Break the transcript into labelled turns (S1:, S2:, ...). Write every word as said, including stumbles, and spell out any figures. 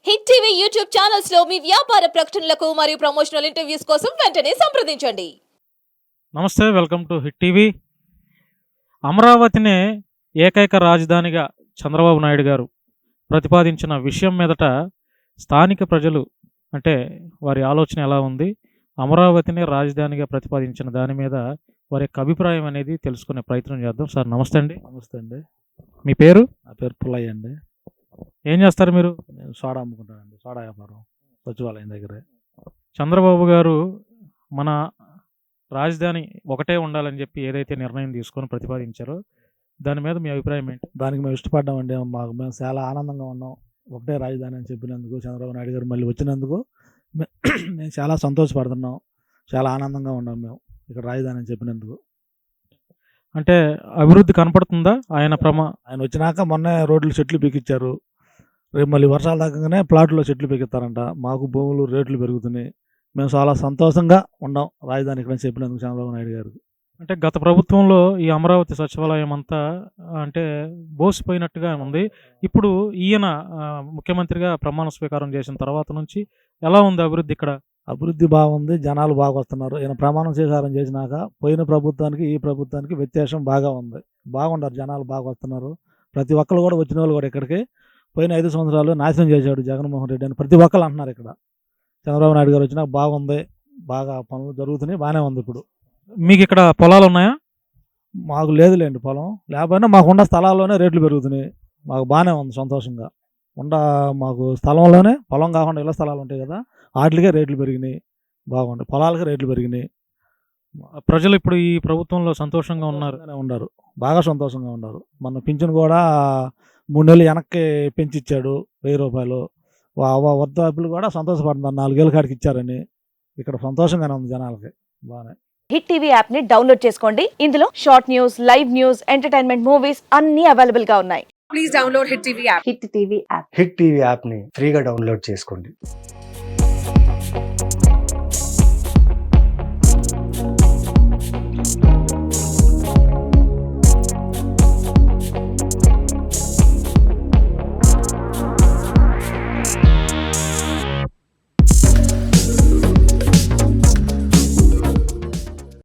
S1: Hit TV YouTube channels లో మీ వ్యాపార ప్రకటనలకు మరియు ప్రమోషనల్ ఇంటర్వ్యూస్ కోసం వెంటనే సంప్రదించండి.
S2: నమస్తే, వెల్కమ్ టు హిట్ టీవీ. అమరావతినే ఏకైక రాజధానిగా చంద్రబాబు నాయుడు గారు ప్రతిపాదించిన విషయం మీదట స్థానిక ప్రజలు అంటే వారి ఆలోచన ఎలా ఉంది, అమరావతినే రాజధానిగా ప్రతిపాదించిన దాని మీద వారి యొక్క అభిప్రాయం అనేది తెలుసుకునే ప్రయత్నం చేద్దాం. సార్ నమస్తే అండి.
S3: నమస్తే అండి.
S2: మీ పేరు?
S3: నా పేరు పుల్లయ్య అండి.
S2: ఏం చేస్తారు మీరు?
S3: నేను సోడా అమ్ముకుంటానండి, సోడా వ్యాపారం సచివాలయం దగ్గరే.
S2: చంద్రబాబు గారు మన రాజధాని ఒకటే ఉండాలని చెప్పి ఏదైతే నిర్ణయం తీసుకొని ప్రతిపాదించారో దాని మీద మీ అభిప్రాయం ఏంటి?
S3: దానికి మేము ఇష్టపడ్డామండి. మాకు మేము చాలా ఆనందంగా ఉన్నాం. ఒకటే రాజధాని అని చెప్పినందుకు, చంద్రబాబు నాయుడు గారు మళ్ళీ వచ్చినందుకు మే- మేము చాలా సంతోషపడుతున్నాం. చాలా ఆనందంగా ఉన్నాం మేము ఇక్కడ రాజధాని అని చెప్పినందుకు.
S2: అంటే అభివృద్ధి కనపడుతుందా ఆయన ప్రమా
S3: ఆయన వచ్చినాక మొన్నే రోడ్లు చెట్లు పీకిచ్చారు. రేపు మళ్ళీ వర్షాలు తగ్గగానే ప్లాట్లో చెట్లు పీకిస్తారంట. మాకు భూములు రేట్లు పెరుగుతున్నాయి. మేము చాలా సంతోషంగా ఉన్నాం రాజధాని ఇక్కడ అని చెప్పినందుకు చంద్రబాబు నాయుడు గారు.
S2: అంటే గత ప్రభుత్వంలో ఈ అమరావతి సచివాలయం అంతా ఆ, అంటే బోసిపోయినట్టుగా ఉంది. ఇప్పుడు ఈయన ఆ, ముఖ్యమంత్రిగా ప్రమాణ స్వీకారం చేసిన తర్వాత నుంచి ఎలా ఉంది అభివృద్ధి ఇక్కడ?
S3: అభివృద్ధి బాగుంది, జనాలు బాగా వస్తున్నారు. ఈయన ప్రమాణం స్వీకారం చేసినాక పోయిన ప్రభుత్వానికి ఈ ప్రభుత్వానికి వ్యత్యాసం బాగా ఉంది. బాగుండారు, జనాలు బాగా వస్తున్నారు. ప్రతి ఒక్కరు కూడా వచ్చిన వాళ్ళు కూడా ఇక్కడికి పోయిన ఐదు సంవత్సరాలు నాశనం చేశాడు జగన్మోహన్ రెడ్డి అని ప్రతి ఒక్కరు అంటున్నారు. ఇక్కడ చంద్రబాబు నాయుడు గారు వచ్చినాక బాగుంది, బాగా పనులు జరుగుతున్నాయి, బాగానే ఉంది. ఇప్పుడు
S2: మీకు ఇక్కడ పొలాలు ఉన్నాయా?
S3: మాకు లేదులేండి పొలం, లేకపోయినా మాకున్న స్థలాల్లోనే రేట్లు పెరుగుతున్నాయి. మాకు బాగానే ఉంది, సంతోషంగా ఉండ. మాకు స్థలంలోనే, పొలం కాకుండా ఇళ్ళ స్థలాలు ఉంటాయి కదా, వాటికే రేట్లు పెరిగినాయి. బాగుంది, పొలాలకి రేట్లు పెరిగినాయి.
S2: ప్రజలు ఇప్పుడు ఈ ప్రభుత్వంలో సంతోషంగా ఉన్నారు.
S3: సంతోషంగానే ఉన్నారు, బాగా సంతోషంగా ఉన్నారు. మన పింఛన్ కూడా మూడు నెలలు వెనక్కి పెంచిచ్చాడు, వెయ్యి రూపాయలు. వృద్ధాప్యులు కూడా సంతోషపడుతున్నారు, నాలుగేళ్ళ కాడికి ఇచ్చారని. ఇక్కడ సంతోషంగానే ఉంది జనాలకి, బాగానే.
S4: హిట్ టీవీ యాప్ ని డౌన్లోడ్ చేసుకోండి. ఇందులో short news, live news, entertainment movies అన్ని అవైలబుల్ గా ఉన్నాయి.
S5: Please download Hit T V app.
S4: Hit TV app
S6: Hit TV యాప్ని ఫ్రీగా డౌన్లోడ్ చేసుకోండి.